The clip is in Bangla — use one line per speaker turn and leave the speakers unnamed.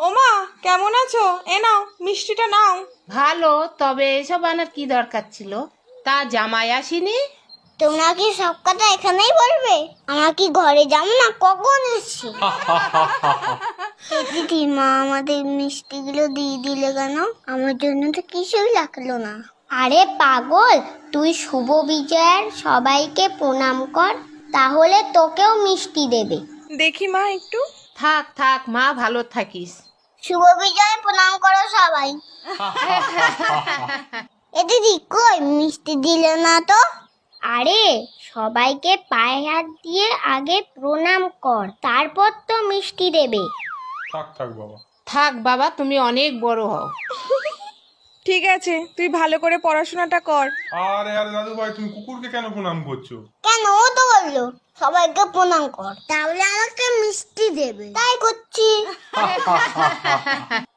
ওমা, কেমন আছো? এ নাও, মিষ্টিটা নাও।
ভালো, তবে এসব আনার কি দরকার ছিল? তা জামাই আসেনি?
তোমরা কি সব কথা এখানেই বলবে? আমরা কি ঘরে যাবো না? কখন এসছি? দিদি, মা আমাদের মিষ্টিগুলো দিয়ে দিলে কেন? আমার জন্য তো কিছুই লাগলো না। আরে পাগল, তুই শুভ বিজয়ের সবাইকে প্রণাম কর, তাহলে তোকেও মিষ্টি দেবে।
দেখি মা একটু।
থাক থাক মা, ভালো থাকিস।
শুভ বিজয় প্রণাম করো সবাই। এ দিদি, কই মিষ্টি দিলে না তো? আরে সবাইকে পায়ে হাত দিয়ে আগে প্রণাম কর, তারপর তো মিষ্টি দেবে।
থাক থাক বাবা।
থাক বাবা, তুমি অনেক বড় হও।
ঠিক আছে, তুই ভালো করে পড়াশোনাটা কর।
আরে আরে দাদু ভাই, তুমি কুকুরকে কেন প্রণাম করছো?
কেন, ও তো বললো সবাইকে প্রণাম কর, তাহলে আমাকে মিষ্টি দেবে, তাই করছি।